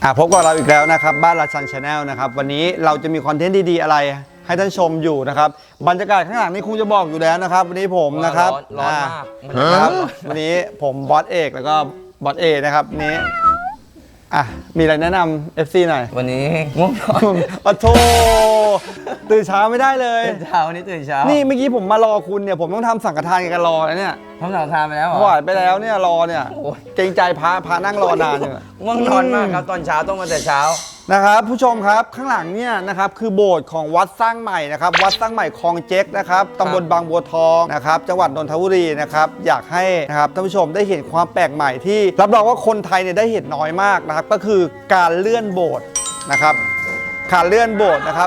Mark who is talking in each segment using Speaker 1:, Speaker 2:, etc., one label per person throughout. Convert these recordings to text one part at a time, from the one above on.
Speaker 1: พบกับเราอีกแล้วนะครับบ้านราชันชาแนลนะครับวันนี้เราจะมีคอนเทนต์ดีๆอะไรให้ท่านชมอยู่นะครับบรรยากาศข้างหลังนี่คงจะบอกอยู่แล้วนะครับวันนี้ผมนะครับ
Speaker 2: ร้อนมาก
Speaker 1: ครับวันนี้ผมบอสเอกแล้วก็บอสเอนะครับนี้มีอะไรแนะนำ FC หน่อย
Speaker 2: วันนี้ง่วงนอน
Speaker 1: โธ่ตื่นเช้าไม่ได้เลย
Speaker 2: ตื่นเช้าวันนี้ตื่นเช้า
Speaker 1: นี่เมื่อกี้ผมมารอคุณเนี่ยผมต้องทำสังฆทานกันรอแล้วเนี่ย
Speaker 2: ทำสังฆทานไปแล้วเหรอ
Speaker 1: ถวายไปแล้วเนี่ยรอเนี่ยเกรงใจพระนั่งรอนานอยู่
Speaker 2: ง่วงนอนมากครับตอนเช้าต้องมาแต่เช้า
Speaker 1: นะครับผู้ชมครับข้างหลังเนี่ยนะครับคือโบสถ์ของวัดสร้างใหม่นะครับวัดสร้างใหม่คลองเจ๊กนะครับตำบลบางบัวทองนะครับจังหวัดนนทบุรีนะครับอยากให้นะครับท่านผู้ชมได้เห็นความแปลกใหม่ที่รับรองว่าคนไทยเนี่ยได้เห็นน้อยมากนะครับก็คือการเลื่อนโบสถ์นะครับการเลื่อนโบสถ์นะครับ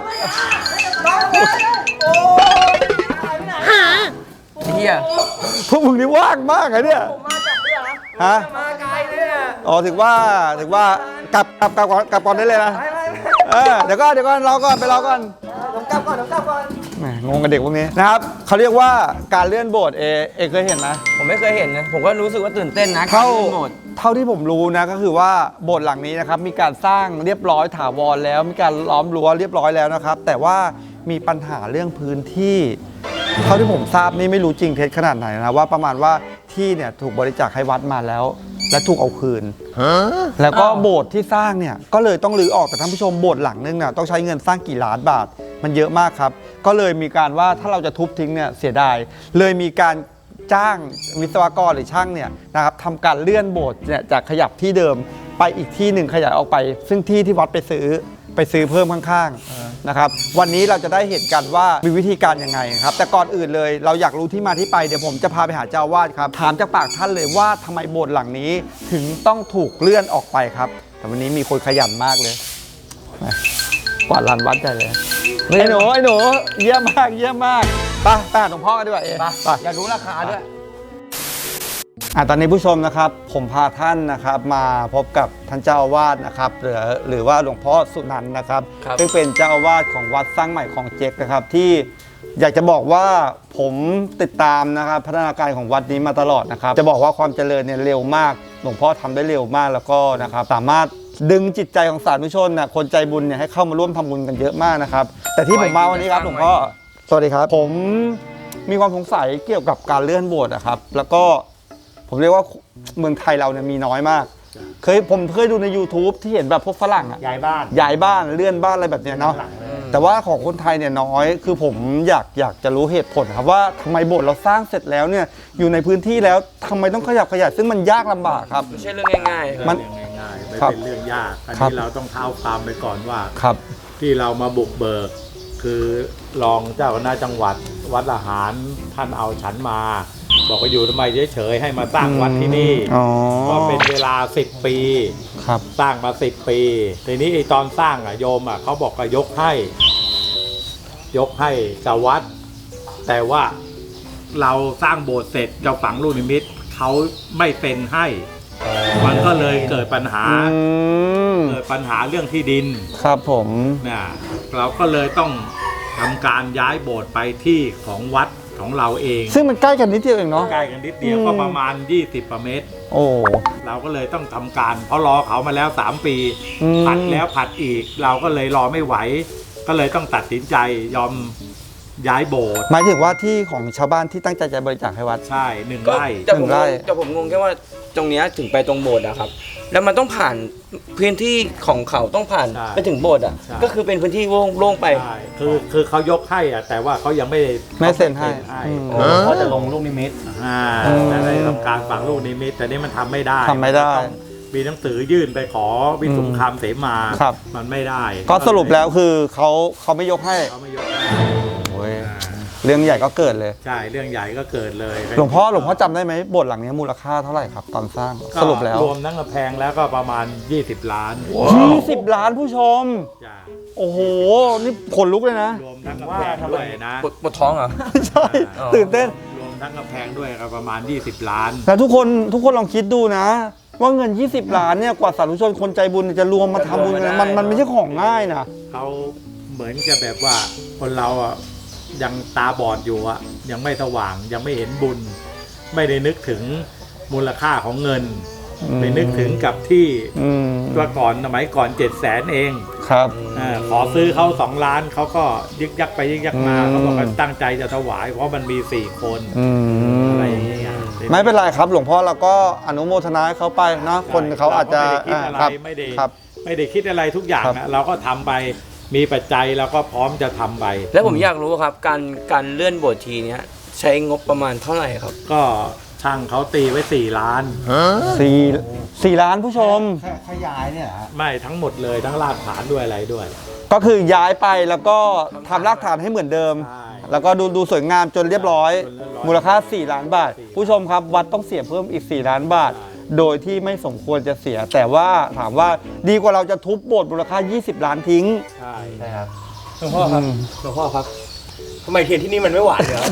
Speaker 2: เฮีย
Speaker 1: พวกมึงนี่ว่างมากเลยเนี่ยฮะ
Speaker 2: มาไกลเนี่ย
Speaker 1: อ๋อถึงว่ากลับก่อนได้เลยนะเดี๋ยวก่อนรอก่อนไปรอก่อน
Speaker 2: ผมกลับก่อน
Speaker 1: งงกับเด็กพวกนี้นะครับเขาเรียกว่าการเลื่อนโบสถ์เอเคยเห็นไหม
Speaker 2: ผมไม่เคยเห็นนะผมก็รู้สึกว่าตื่นเต้นนะ
Speaker 1: เท่าที่ผมรู้นะก็คือว่าโบสถ์หลังนี้นะครับมีการสร้างเรียบร้อยถาวรแล้วมีการล้อมรั้วเรียบร้อยแล้วนะครับแต่ว่ามีปัญหาเรื่องพื้นที่เท่าที่ผมทราบนี่ไม่รู้จริงเท็จขนาดไหนนะว่าประมาณว่าที่เนี่ยถูกบริจาคให้วัดมาแล้วและถูกเอาคืนแล้วก็โบสถ์ที่สร้างเนี่ยก็เลยต้องรื้อออกแต่ท่านผู้ชมโบสถ์หลังนึงน่ะต้องใช้เงินสร้างกี่ล้านบาทมันเยอะมากครับก็เลยมีการว่าถ้าเราจะทุบทิ้งเนี่ยเสียดายเลยมีการจ้างวิศวกรหรือช่างเนี่ยนะครับทำการเลื่อนโบสถ์เนี่ยจากขยับที่เดิมไปอีกที่หนึ่งขยายออกไปซึ่งที่วัดไปซื้อเพิ่มข้างๆนะครับวันนี้เราจะได้เห็นกันว่ามีวิธีการยังไงครับแต่ก่อนอื่นเลยเราอยากรู้ที่มาที่ไปเดี๋ยวผมจะพาไปหาเจ้าอาวาสครับถามจากปากท่านเลยว่าทำไมโบสถ์หลังนี้ถึงต้องถูกเลื่อนออกไปครับแต่วันนี้มีคนขยันมากเลยกวาดลานวัดใจเลยไอ้หนูเยี่ยมมากไปหาหลวงพ่อกันดีกว่า
Speaker 2: ไปอยากรู้ราคาด้วย
Speaker 1: ตอนนี้ผู้ชมนะครับผมพาท่านนะครับมาพบกับท่านเจ้าอาวาสนะครับหรือว่าหลวงพ่อสุนันท์นะครับซึ่งเป็นเจ้าอาวาสของวัดสร้างใหม่คลองเจ๊กนะครับที่อยากจะบอกว่าผมติดตามนะครับพัฒนาการของวัดนี้มาตลอดนะครับจะบอกว่าความเจริญเนี่ยเร็วมากหลวงพ่อทำได้เร็วมากแล้วก็นะครับสามารถดึงจิตใจของสาธุชนนะคนใจบุญเนี่ยให้เข้ามาร่วมทำบุญกันเยอะมากนะครับแต่ที่ผมมาวันนี้ครับหลวงพ่อสวัสดีครับผมมีความสงสัยเกี่ยวกับการเลื่อนโบสถ์นะครับแล้วก็ผมเรียกว่าเมืองไทยเราเนี่ยมีน้อยมากผมเคยดูใน YouTube ที่เห็นแบบพวกฝรั่ง
Speaker 3: ย้ายบ้
Speaker 1: านเลื่อนบ้านอะไรแบบเนี้ยเนาะแต่ว่าของคนไทยเนี่ยน้อยคือผมอยากจะรู้เหตุผลครับว่าทำไมโบสถ์เราสร้างเสร็จแล้วเนี่ยอยู่ในพื้นที่แล้วทำไมต้องขยับขยายซึ่งมันยากลำบากครับ
Speaker 2: ไม่ใช่เรื่องง่าย
Speaker 3: ๆมันง่ายๆไม่เป็นเรื่องยากอันนี้เราต้องเท้าความไปก่อนว่าที่เรามาบุกเบิกคือรองเจ้าคณะจังหวัดวัดละหารท่านเอาฉันมาบอกว่าอยู่ทำไมเฉยๆให้มาสร้างวัดที่นี่ก็เป็นเวลา10 ปีสร้างมา10 ปีทีนี้ไอ้ตอนสร้างโยมเขาบอกก็ยกให้กับวัดแต่ว่าเราสร้างโบสถ์เสร็จจะฝังลูกนิมิตเขาไม่เซ็นให้มันก็เลยเกิดปัญหาเรื่องที่ดิน
Speaker 1: ครับผม
Speaker 3: เนี่ยเราก็เลยต้องทำการย้ายโบสถ์ไปที่ของวัดของเราเอง
Speaker 1: ซึ่งมันใกล้กันนิดเดียวเองเนาะ
Speaker 3: ใกล้กันนิดเดียวก็ประมาณ20 กว่าเมตรเราก็เลยต้องทำการเพราะรอเขามาแล้ว3 ปีผัดแล้วผัดอีกเราก็เลยรอไม่ไหวก็เลยต้องตัดสินใจยอมย้ายโบสถ์
Speaker 1: หมายถึงว่าที่ของชาวบ้านที่ตั้งใจจะบริจาคให้วัด
Speaker 3: ใช่1 ไร่
Speaker 2: แต่ผมงงแค่ว่าตรงนี้ถึงไปตรงโบสถ์นะครับแล้วมันต้องผ่านพื้นที่ของเขาต้องผ่านไปถึงโบสถ์ก็คือเป็นพื้นที่โล่งไป
Speaker 3: คือเขายกให้แต่ว่าเขายัง
Speaker 1: ไม่เซ็นให้
Speaker 3: เขาจะลงลูกนิมิตแต่ในทำการฝังลูกนิมิตแต่นี้มันทำไม่ได้มีหนังสือยื่นไปขอวิสุงคำเสมามันไม่ได้
Speaker 1: ก็สรุปแล้วคือเขาไม่ยกให้เรื่องใหญ่ก็เกิดเลย
Speaker 3: ใช่เรื่องใหญ่ก็เกิดเลย
Speaker 1: หลวงพ่อจำได้ไหมโบสถ์หลังนี้มูลค่าเท่าไหร่ครับตอนสร้างสรุปแล้ว
Speaker 3: รวมทั้งกระแพงแล้วก็ประมาณ20 ล้าน
Speaker 1: 20 ล้านผู้ชมโอ้โหนี่ขนลุกเลยนะ
Speaker 3: รวมทั้งกระแพงด้วยนะ
Speaker 2: ปวดท้องเหรอ
Speaker 1: ใช่ตื่นเต้น
Speaker 3: รวมทั้งกระแพงด้วยก็ประมาณ20 ล้าน
Speaker 1: แต่ทุกคนลองคิดดูนะว่าเงิน20 ล้านเนี่ยกว่าสาธุชนคนใจบุญจะรวมมาทำบุญกันมันไม่ใช่ของง่ายนะ
Speaker 3: เขาเหมือนจะแบบว่าคนเรายังตาบอดอยู่ยังไม่สว่างยังไม่เห็นบุญไม่ได้นึกถึงมูลค่าของเงินไปนึกถึงกับที่
Speaker 1: อืม
Speaker 3: ตัวก่อนสมัยก่อน700,000เอง
Speaker 1: ครับ
Speaker 3: ขอซื้อเขา2 ล้านเขาก็ยึกยักไปยึกยักมา
Speaker 1: อืม
Speaker 3: เขาบอกว่าตั้งใจจะถวาย เพราะมันมี4 คน
Speaker 1: อืม
Speaker 3: อะไรอย่างเงี้ย
Speaker 1: ไม่เป็นไรครับหลวงพ่อเราก็อนุโมทนาให้เขาไปเนาะคนเขาอาจจะ
Speaker 3: เราก็ไม่ได้คิดอะไร
Speaker 1: ครับ
Speaker 3: ไม่ได้คิดอะไรทุกอย่าง
Speaker 1: ครับ
Speaker 3: อะเราก็ทำไปมีปัจจัยเราก็พร้อมจะทำไป
Speaker 2: แล้วผมอยากรู้ครับการเลื่อนโบสถ์ทีเนี้ยใช้งบประมาณเท่าไหร่ครับ
Speaker 3: ก็ช่างเขาตีไว้4 ล้าน
Speaker 1: สี่ล้านผู้ชม
Speaker 4: ขยายเนี่ยเหรอฮะ
Speaker 3: ไม่ทั้งหมดเลยทั้งรากฐานด้วยอะไรด้วย
Speaker 1: ก็คือย้ายไปแล้วก็ทำรากฐานให้เหมือนเดิม
Speaker 3: ใช่
Speaker 1: แล้วก็ดูสวยงามจนเรียบร้อย
Speaker 3: จนเรียบร้อย
Speaker 1: มูลค่า 4 ล้านบาท ผู้ชมครับวัดต้องเสียเพิ่มอีก 4 ล้านบาท โดยที่ไม่สมควรจะเสีย แต่ว่าถามว่าดีกว่าเราจะทุบโบสถ์มูลค่า 20 ล้านทิ้ง
Speaker 3: ใช่
Speaker 4: ใช่ครับ
Speaker 5: หลวงพ่อครับหลวงพ่อครับทำไมเทียนที่นี่มันไม่หวานเลยครับ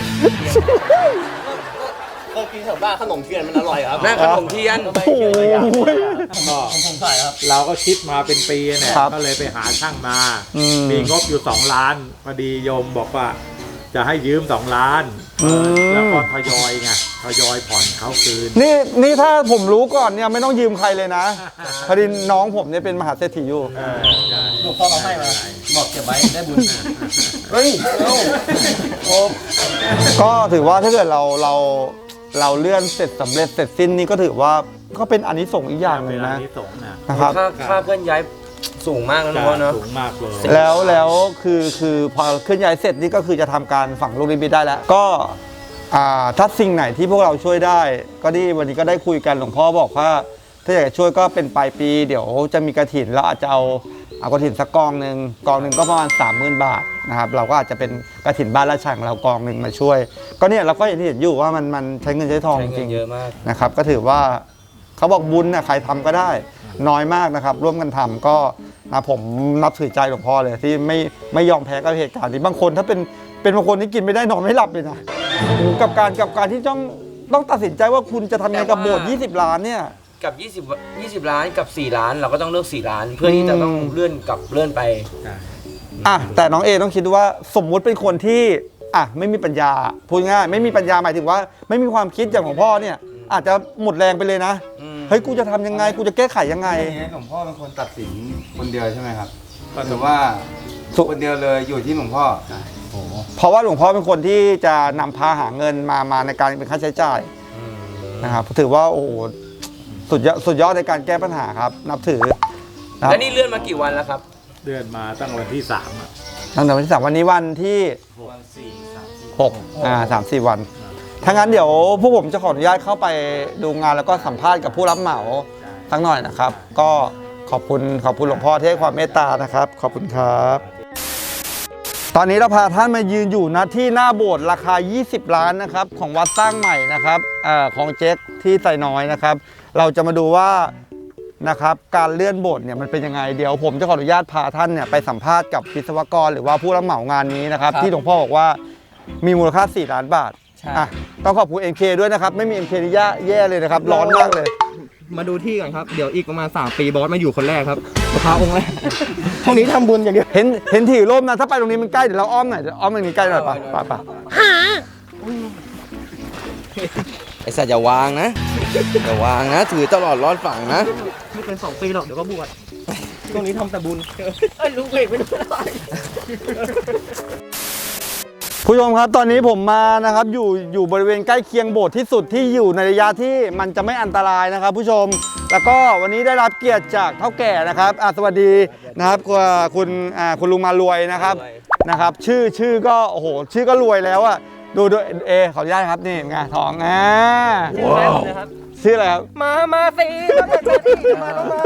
Speaker 5: ก็กินแถวบ้านขนมเทียนมันอร่อยครับ
Speaker 2: นั่นขนมเทียน
Speaker 5: ทำไมเทียนอะไรอย่าง
Speaker 3: ก็
Speaker 5: ผมใส่ครับ
Speaker 3: เราก็คิดมาเป็นปีเนี่ย
Speaker 1: ครับ
Speaker 3: ก็เลยไปหาช่างมา
Speaker 1: อืม
Speaker 3: มีงบอยู่2 ล้านพอดีโยมบอกว่า จะให้ยืม2 ล้าน
Speaker 1: อืม
Speaker 3: แล้วก็ทยอยไงทยอยผ่อนเขาคืน
Speaker 1: นี่ถ้าผมรู้ก่อนเนี่ยไม่ต้องยืมใครเลยนะพอดีน้องผมเนี่ยเป็นมหาเศรษฐีอยู่
Speaker 5: หลวงพ่อเราให้มาบอกเก็บไว้ได้บุญเฮ้ยโอ้
Speaker 1: ก็ถือว่าถ้าเกิดเราเลื่อนเสร็จสำเร็จเสร็จสิ้นนี่ก็ถือว่าก็เป็นอานิสงส์อีกอย่างหนึ่ง
Speaker 3: เวลา
Speaker 1: นะ
Speaker 3: นี้สงฆ์นะ
Speaker 1: นะครับ
Speaker 2: ค่าเคลื่อนย้ายสูงมากนะหลวงพ่อเนาะ
Speaker 3: สูงมากเลย
Speaker 1: แล้วคือพอเคลื่อนย้ายเสร็จนี่ก็คือจะทำการฝังลูกนิมิตได้แล้ว ก็ถ้าสิ่งไหนที่พวกเราช่วยได้ ก็ดีวันนี้ก็ได้คุยกันหลวงพ่อบอกว่า ถ้าอยากจะช่วยก็เป็นปลายปี เดี๋ยวจะมีกระถินแล้วอาจจะเอากระถินสักกองหนึ่งก็ประมาณ 30,000 บาทนะครับเราก็อาจจะเป็นกระถินบ้านละช่างเรากองหนึ่งมาช่วย ก็เนี่ยเราก็อย่างที่เห็นอยู่ว่ามันใช้เงินใช้ทอง
Speaker 2: ใช้
Speaker 1: จ
Speaker 2: เงิ
Speaker 1: ริ
Speaker 2: น
Speaker 1: ง
Speaker 2: เยอะมาก
Speaker 1: นะครับก็ถือว่าเขาบอกบุญน่ะใครทำก็ได้น้อยมากนะครับ ร่วมกันทำก็นะผมนับถือใจหลวงพ่อเลยที่ไม่ยอมแพ้กับเหตุการณ์นี้บางคนถ้าเป็นบางคนที่กินไม่ได้นอนไม่หลับเลยนะกับการที่ต้องตัดสินใจว่าคุณจะทำยังไงกับโบสถ์20 ล้านเนี่ย
Speaker 2: กับ20 ล้านกับ 4 ล้านเราก็ต้องเลือก 4 ล้าน เพื่อที่จะต้องเลื่อนไป
Speaker 1: แต่น้องเอต้องคิดว่าสมมุติเป็นคนที่ไม่มีปัญญาพูดง่ายไม่มีปัญญาหมายถึงว่า ไม่มีความคิดอย่างของพ่อเนี่ยอาจจะหมดแรงไปเลยนะ
Speaker 2: อืม
Speaker 1: เฮ้ยกูจะทำยังไงกูจะแก้ไขยังไง
Speaker 4: อย่างนี้หลวงพ่อเป็นคนตัดสินคนเดียวใช่ไหมครับก็ถือว่าคนเดียวเลยอยู่ที่หลวงพ่อโอ้โห
Speaker 1: เพราะว่าหลวงพ่อเป็นคนที่จะนำพาหาเงินมาในการเป็นค่าใช้จ่ายนะครับถือว่าโอ้โหสุดยอดในการแก้ปัญหาครับ นับถือนะครับ
Speaker 2: แล้วนี่เลื่อนมากี่วันแล้วครับ
Speaker 3: เดือนมาตั้งวันที่3อะ
Speaker 1: ตั้งแต่วันที่3วันนี้วันที่ 6 3-4 วันถ้างั้นเดี๋ยวพวกผมจะขออนุญาตเข้าไปดูงานแล้วก็สัมภาษณ์กับผู้รับเหมาสักหน่อยนะครับ ก็ขอบคุณหลวงพ่อที่ให้ความเมตตานะครับ ขอบคุณครับ ตอนนี้เราพาท่านมายืนอยู่นะที่หน้าโบสถ์ราคา 20 ล้านนะครับของวัดสร้างใหม่นะครับของเจ๊กที่ไซน้อยนะครับ เราจะมาดูว่านะครับการเลื่อนโบสถ์เนี่ยมันเป็นยังไงเดี๋ยวผมจะขออนุญาตพาท่านเนี่ยไปสัมภาษณ์กับวิศวกรหรือว่าผู้รับเหมางานนี้นะครับที่หลวงพ่อบอกว่ามีมูลค่า 4 ล้านบาทต้องขอบคุณ MK ด้วยนะครับไม่มี MK นี่แย่เลยนะครับร้อนมากเลย
Speaker 5: มาดูที่ก่อนครับ เดี๋ยวอีกประมาณ3 ปีบอสมาอยู่คนแรกครับพาองค์แรกห้องนี้ทำบุญอย่างเดียว
Speaker 1: เห็นถือร่มนะถ้าไปตรงนี้มันใกล้เดี๋ยวเราอ้อมหน่อยเดี๋ยวอ้อมตรงนี้ใกล้หน่อยป่ะ
Speaker 2: ไอ้สัตว์อย่าวางนะ อย่าวางนะ ถือตลอดรอดฝั่งนะ
Speaker 5: ไม่เกิน2 ปีหรอกเดี๋ยวก็บวชตรงนี้ทำแต่บุญลุงเบรกไม่ได้
Speaker 1: ผู้ชมครับตอนนี้ผมมานะครับอยู่บริเวณใกล้เคียงโบสถ์ที่สุดที่อยู่ในระยะที่มันจะไม่อันตรายนะครับ ผู้ชมแล้วก็วันนี้ได้รับเกียรติจากเฒ่าแก่นะครับสวัสดีนะครับคุณลุงมารวยนะครับชื่อก็โอ้โหชื่อก็รวยแล้วอ่ะดูขออนุญาตครับนี่ไงทองชื่ออะไรครับ
Speaker 5: มาสิมาต้องมา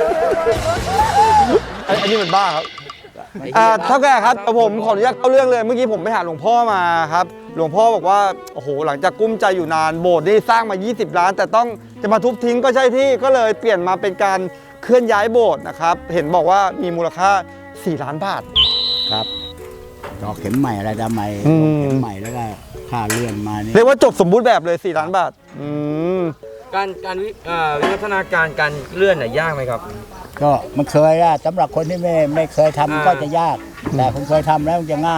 Speaker 1: อันนี้มันบ้าครับเท่าแก่ครับผมขออนุญาตเข้าเรื่องเลยเมื่อกี้ผมไปหาหลวงพ่อมาครับหลวงพ่อบอกว่าโอ้โหหลังจากกุ้มใจอยู่นานโบสถ์นี่สร้างมา20 ล้าน แต่ต้องจะมาทุบทิ้งก็ใช่ที่ก็เลยเปลี่ยนมาเป็นการเคลื่อนย้ายโบสถ์นะครับเห็นบอกว่ามีมูลค่า4 ล้านบาท
Speaker 6: ครับดอกเข็มใหม่อะไรดำใหม่
Speaker 1: อืม
Speaker 6: เข็มใหม่แล้วก็ค่าเลื่อนมานี่
Speaker 1: เรียกว่าจบสมบูรณ์แบบเลย4 ล้านบาท
Speaker 2: การวิวัฒนาการการเลื่อนน่ะยากไหมครับ
Speaker 6: ก็มันเคยอะสำหรับคนที่ไม่เคยทำก็จะยาก แต่คนเคยทำแล้วมันจะง่าย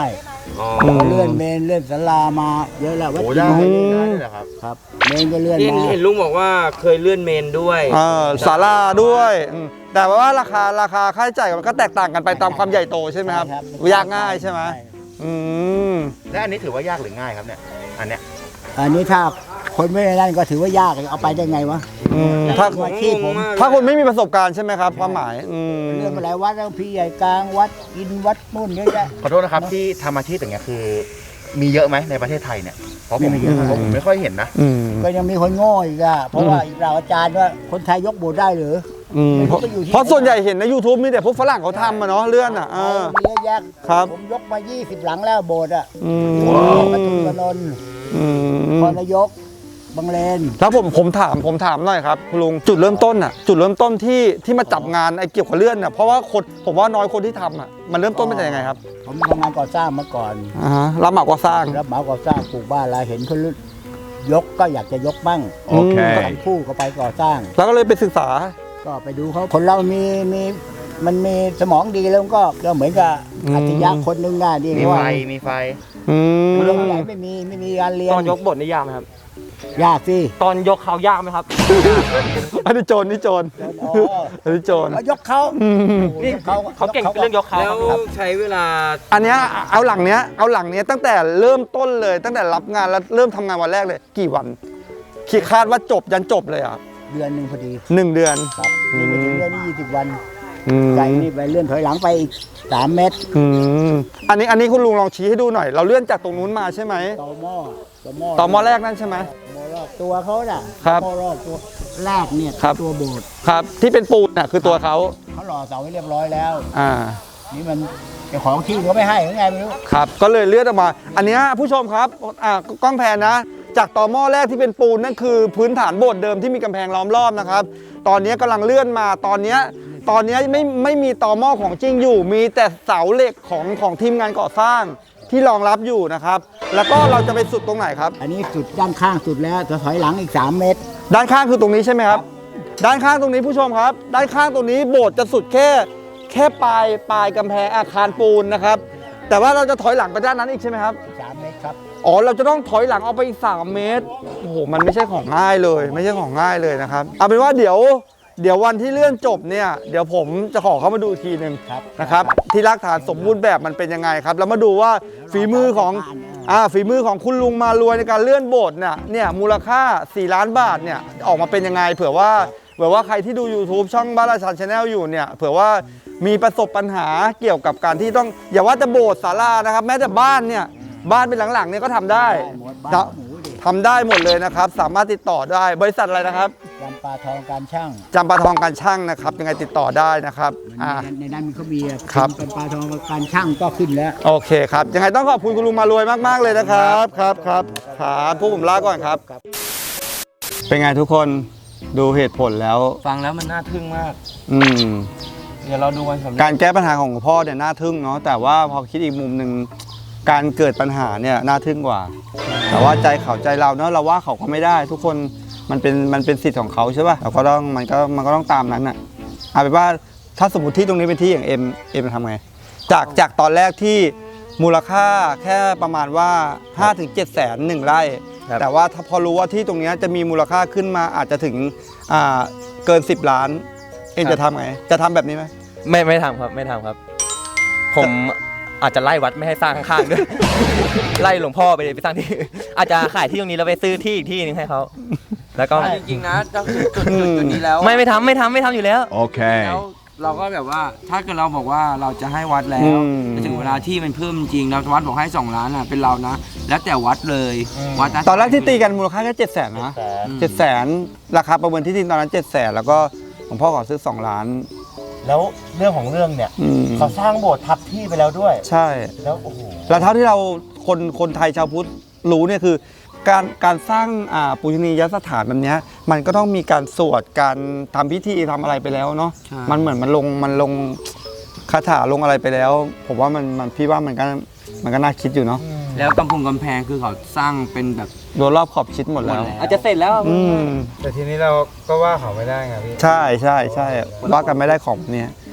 Speaker 6: เลื่อนเมนเลื่อนศาลามาเยอะแล้ววัด
Speaker 3: โอ้
Speaker 6: จี
Speaker 3: ได้
Speaker 6: น
Speaker 3: ได้เลยเหรอครับ
Speaker 6: ครับเมนก็เลื่อน
Speaker 2: เห็น
Speaker 6: มา
Speaker 2: เห็นลุงบอกว่าเคยเลื่อนเมนด้วย
Speaker 1: ศาลาด้วยแต่ว่าราคาค่าใช้จ่ายมันก็แตกต่างกันไปตามความใหญ่โตใช่ไหมครับยากง่ายใช่ไหมอืม
Speaker 3: และอันนี้ถือว่ายากหรือง่ายครับเนี่ยอันเนี้ย
Speaker 6: อันนี้ถ้าคนไม่ได้นั่นก็ถือว่ายากเอาไปได้ไงวะ
Speaker 1: ถ้า
Speaker 6: อาชีพผม
Speaker 1: ถ้าคุณไม่มีประสบการณ์ใช่ไหมครับความหมาย
Speaker 6: เลื่อนมาหลายวัดแล้วพี่ใหญ่กลางวัดอินวัดนู่นเยอะแยะ
Speaker 3: ขอโทษนะครับที่ทำอาชีพอย่างเงี้ยคือ มีเยอะไหมในประเทศไทยเนี่ยเพราะผม
Speaker 6: ไม่เยอะ
Speaker 3: ผมไม่ค่อยเห็นนะ
Speaker 6: ก็ยังมีคนโง่อีกอะเพราะว่าเราอาจารย์ว่าคนไทยยกโบสถ์ได้หรือ
Speaker 1: เพราะส่วนใหญ่เห็นใน YouTube มีแต่พวกฝรั่งเขาทำมาเนาะเลื่อนอ่ะ
Speaker 6: มีเยอะแยะ
Speaker 1: ครับ
Speaker 6: ผมยกมา 20 หลังแล้วโบสถ์อะ ปทุมนนท์พรนายกบางเลน
Speaker 1: แล้วผมถามหน่อยครับคุณลุงจุดเริ่มต้นอ่ะจุดเริ่มต้นที่มาจับงานไอ้เกี่ยวกับเลื่อนอ่ะเพราะว่าคนผมว่าน้อยคนที่ทำอ่ะมันเริ่มต้นเป็นยังไงครับ
Speaker 6: ผมทำงานก่อสร้างมาก่อน
Speaker 1: รับเหมาก่อสร้าง
Speaker 6: รับเหมาก่อสร้างปลูกบ้านอะไรเห็นเขายกก็อยากจะยกบ้าง
Speaker 1: โอเค
Speaker 6: ทำคู่ก็ไปก่อสร้าง
Speaker 1: แล้วก็เลยไปศึกษา
Speaker 6: ก็ไปดูเขาคนเรามันมีสมองดีแล้วมันก็เหมือนกับอัจฉริยะคนหนึงได้ดี
Speaker 3: มี
Speaker 6: ว่า
Speaker 3: ไฟมีไฟ
Speaker 6: เรียนที่ไหนไม่มีการเรียน
Speaker 5: ตอนยกบทนี่ยากไหมครับ
Speaker 6: ยากสิ
Speaker 5: ตอนยกเขายากไหมครับ
Speaker 1: อันนี้โจรนี่โจร
Speaker 6: อ๋อ
Speaker 1: อันนี้โจร
Speaker 6: ยกเขานี่
Speaker 5: เขาเก่งเรื่องยกเขา
Speaker 2: แล้ว
Speaker 5: ครับ
Speaker 2: ใช้เวลา
Speaker 1: อันเนี้ยเอาหลังเนี้ยตั้งแต่เริ่มต้นเลยตั้งแต่รับงานแล้วเริ่มทำงานวันแรกเลย กี่วันคิดคาดว่าจบยันจบเลยอ่ะ
Speaker 6: เดือนหนึ่งพอดี
Speaker 1: 1 เดือน
Speaker 6: ครับนี่ไม่ถึงเดือนนี้20 วัน
Speaker 1: อืม
Speaker 6: ใจนี่ไปเลื่อนถอยหลังไปอีก3 เมตร
Speaker 1: อันนี้คุณลุงลองชี้ให้ดูหน่อย เราเลื่อนจากตรงนู้นมาใช่ไหม
Speaker 6: ต่อหม้อ
Speaker 1: ต่อมอแรกนั่นใช่ไหม
Speaker 6: หม้อรอบตัวเขาน่ะ
Speaker 1: ครับ
Speaker 6: หม้อรอบตัวแรกเนี่ย
Speaker 1: ครับ
Speaker 6: ตัวโบสถ์
Speaker 1: ครับที่เป็นปูนน่ะคือตัวเขา
Speaker 6: เขาหล่อเสาไว้เรียบร้อยแล้ว
Speaker 1: อ่า
Speaker 6: นี่มันเจ้าของที่เขาไม่ให้หรือไงไม่รู้
Speaker 1: ครับก็เลยเลื่อนออกมา อันเนี้ยผู้ชมครับกล้องแพนนะ จากต่อหม้อแรกที่เป็นปูนนั่นคือพื้นฐานโบสถ์เดิมที่มีกำแพงล้อมรอบนะครับ ตอนนี้กำลังเลื่อนมาตอนเนี้ยไม่มีต่อหม้อของจริงอยู่ มีแต่เสาเหล็กของทีมงานก่อสร้างที่รองรับอยู่นะครับ แล้วก็เราจะไปสุดตรงไหนครับ
Speaker 6: อันนี้สุดด้านข้างสุดแล้วจะถอยหลังอีก3 เมตร
Speaker 1: ด้านข้างคือตรงนี้ใช่ไหมครับ ด้านข้างตรงนี้ผู้ชมครับ ด้านข้างตรงนี้โบสถ์จะสุดแค่ปลายกำแพงอาคารปูนนะครับ แต่ว่าเราจะถอยหลังไปด้านนั้นอีกใช่ไหมครับ
Speaker 6: 3 เมตรครับ
Speaker 1: อ๋อเราจะต้องถอยหลังออกไปอีก3 เมตรโอ้โหมันไม่ใช่ของง่ายเลย ไม่ใช่ของง่ายเลยนะครับเอาเป็นว่าเดี๋ยววันที่เลื่อนจบเนี่ยเดี๋ยวผมจะขอเข้ามาดูอีกทีหนึ่งนะครับที่รากฐานสมบูรณ์แบบมันเป็นยังไงครับแล้วมาดูว่าฝีมือของคุณลุงมารวยในการเลื่อนโบสถ์เนี่ยมูลค่า4 ล้านบาทเนี่ยออกมาเป็นยังไงเผื่อว่าใครที่ดู YouTube ช่องบ้านราชันชาแนลอยู่เนี่ยเผื่อว่ามีประสบปัญหาเกี่ยวกับการที่ต้องอย่าว่าจะโบสถ์ศาลานะครับแม้แต่บ้านเป็นหลังๆเนี่ยก็ทำได้
Speaker 6: บ้านหมูดิ
Speaker 1: ทำได้หมดเลยนะครับสามารถติดต่อได้บริษัทอะไรนะครับ
Speaker 6: จำปาทองการช่าง
Speaker 1: จำปาทองการช่างนะครับยังไงติดต่อได้นะครับ
Speaker 6: ในนั้นมีเขามี
Speaker 1: ครับ
Speaker 6: จำปาทองการช่างก็ขึ้นแล้ว
Speaker 1: โอเคครับยังไงต้องขอบคุณคุณลุงมารวยมากๆเลยนะครับครับพวกผมลาก่อนครับ เป็นไงทุกคนดูเหตุผลแล้ว
Speaker 2: ฟังแล้วมันน่าทึ่งมาก
Speaker 1: อืม
Speaker 2: เดี๋ยวเราดูวันสำเร็จ
Speaker 1: การแก้ปัญหาของพ่อเนี่ยน่าทึ่งเนาะแต่ว่าพอคิดอีกมุมหนึ่งการเกิดปัญหาเนี่ยน่าทึ่งกว่า แต่ว่าใจเขาใจเราเนาะเราว่าเขาก็ไม่ได้ ทุกคนมันเป็นสิทธิ์ของเขาใช่ป่ะเราก็ต้องมันก็ต้องตามนั้นอ่ะเอาเป็นว่าถ้าสมมติที่ตรงนี้เป็นที่อย่างเอ็มทำไงจากตอนแรกที่มูลค่าแค่ประมาณว่า 5-7 แสน1 ไร่ แต่ว่าถ้าพอรู้ว่าที่ตรงนี้จะมีมูลค่าขึ้นมาอาจจะถึงเกิน10 ล้านเอ็มจะทำไงจะทำแบบนี้ไหม
Speaker 5: ไม่ทำครับไม่ทำครับ ผมอาจจะไล่วัดไม่ให้สร้างข้างๆด้วย ไล่หลวงพ่อไปสร้างที่อาจจะขายที่ตรงนี้แล้วไปซื้อที่อีกที่นึงให้เขาแล้วก็
Speaker 2: จริงๆนะถ้าถึงจุดนี้แล้ว
Speaker 5: ไม่ทำอยู่แล้ว
Speaker 2: แล้วเราก็แบบว่าถ้าเกิดเราบอกว่าเราจะให้วัดแล้วแต่ถึงเวลาที่มันเพิ่มจริงแล้ววัดบอกให้2 ล้านเป็นเรานะ แล้วแต่วัดเลยวัดะ
Speaker 1: ตอนแรกที่ตีกันมูลค่าแค่7 แสนนะ7 แสนราคาประเมินที่ดินตอนนั้น7 แสนแล้วก็หลวงพ่อขอซื้อ2 ล้าน
Speaker 3: แล้วเรื่องของเรื่องเนี่ย เขาสร้างโบสถ์ทับที่ไปแล้วด้วย
Speaker 1: ใช่
Speaker 3: แล้วโอ้โห
Speaker 1: แล้วเท่าที่เราคนไทยชาวพุทธรู้เนี่ยคือการสร้างปุชนียสถานแบบเนี้ยมันก็ต้องมีการสวดการทำพิธีทำอะไรไปแล้วเนาะมันเหมือนมันลงคาถาลงอะไรไปแล้ว ผมว่ามันพี่ว่ามันก็น่าคิดอยู่เนาะ
Speaker 2: แล้วกำแพงคือเขาสร้างเป็นแบบ
Speaker 1: โดนรอบขอบชิดหมดแล้ว
Speaker 5: อาจจะเสร็จแล้ว
Speaker 4: แต่ทีนี้เราก็ว่าเขาไม่ได้ไงพี่
Speaker 1: ใช่ว่ากันไม่ได้ของเนี้ย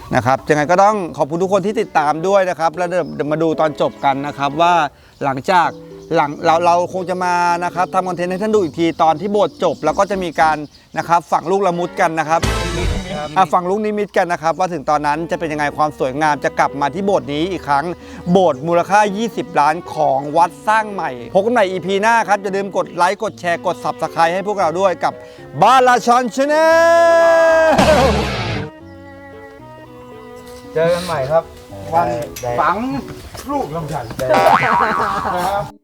Speaker 1: นะครับยังไงก็ต้องขอบคุณทุกคนที่ติดตามด้วยนะครับแล้วเดี๋ยวมาดูตอนจบกันนะครับว่าหลังจากเราคงจะมานะครับทำคอนเทนต์ให้ท่านดูอีกทีตอนที่โบสถ์จบแล้วก็จะมีการนะครับฝังลูกละมุดกันนะครับฝังลูกนิมิตกันนะครับว่าถึงตอนนั้นจะเป็นยังไงความสวยงามจะกลับมาที่โบสถ์นี้อีกครั้งโบสถ์มูลค่า 20 ล้านของวัดสร้างใหม่พบกันใหม่ EP หน้าครับอย่าลืมกดไลค์กดแชร์กด Subscribe ให้พวกเราด้วยกับบาลาชอนชาแนล
Speaker 4: เจอกันใหม่ครับ วันฝัง
Speaker 3: ลูกลำไย